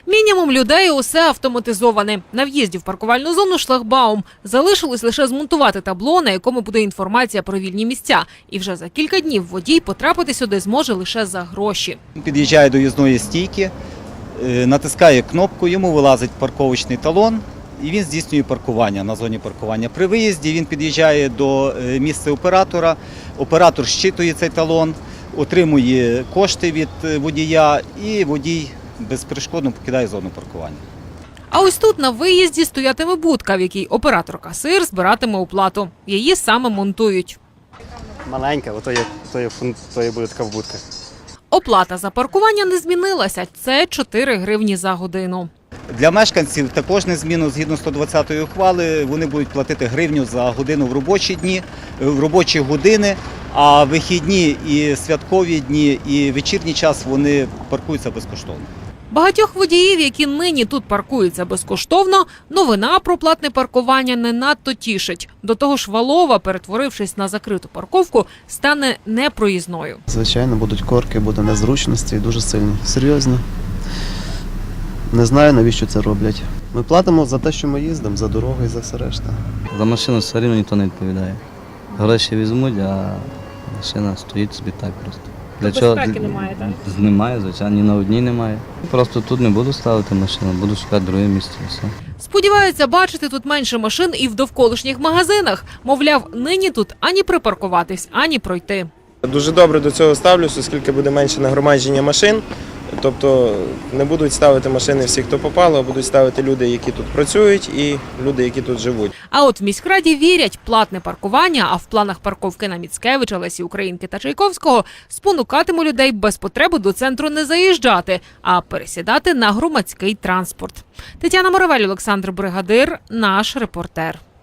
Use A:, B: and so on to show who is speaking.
A: Мінімум людей, усе автоматизоване. На в'їзді в паркувальну зону шлагбаум. Залишилось лише змонтувати табло, на якому буде інформація про вільні місця. І вже за кілька днів водій потрапити сюди зможе лише за гроші.
B: Під'їжджає до в'їзної стійки, натискає кнопку, йому вилазить парковочний талон і він здійснює паркування на зоні паркування. При виїзді він під'їжджає до місця оператора, оператор щитує цей талон, отримує кошти від водія і водій безперешкодно покидає зону паркування.
A: А ось тут на виїзді стоятиме будка, в якій оператор-касир збиратиме оплату. Її саме монтують.
C: Маленька, то є буде така будка.
A: Оплата за паркування не змінилася. Це 4 гривні за годину.
B: Для мешканців також незмінно, згідно 120-ї ухвали, вони будуть платити гривню за годину в робочі дні, в робочі години, а вихідні і святкові дні, і вечірній час вони паркуються безкоштовно.
A: Багатьох водіїв, які нині тут паркуються безкоштовно, новина про платне паркування не надто тішить. До того ж, Валова, перетворившись на закриту парковку, стане непроїзною.
D: Звичайно, будуть корки, буде незручності і дуже сильні. Серйозно. Не знаю, навіщо це роблять. Ми платимо за те, що ми їздимо, за дорогу і за все решта.
E: За машину все рівно ніхто не відповідає. Гроші візьмуть, а машина стоїть собі так просто. Для
A: безпеки немає, так?
E: Немає, звичайно, ні на одній немає. Просто тут не буду ставити машину, буду шукати друге місце. Все.
A: Сподіваються бачити тут менше машин і в довколишніх магазинах. Мовляв, нині тут ані припаркуватись, ані пройти.
F: Дуже добре до цього ставлюсь, оскільки буде менше нагромадження машин. Тобто не будуть ставити машини всі, хто попало, а будуть ставити люди, які тут працюють, і люди, які тут живуть.
A: А от в міськраді вірять, платне паркування, а в планах парковки на Міцкевича, Лесі Українки та Чайковського спонукатиме людей без потреби до центру не заїжджати, а пересідати на громадський транспорт. Тетяна Моравель, Олександр Бригадир, наш репортер.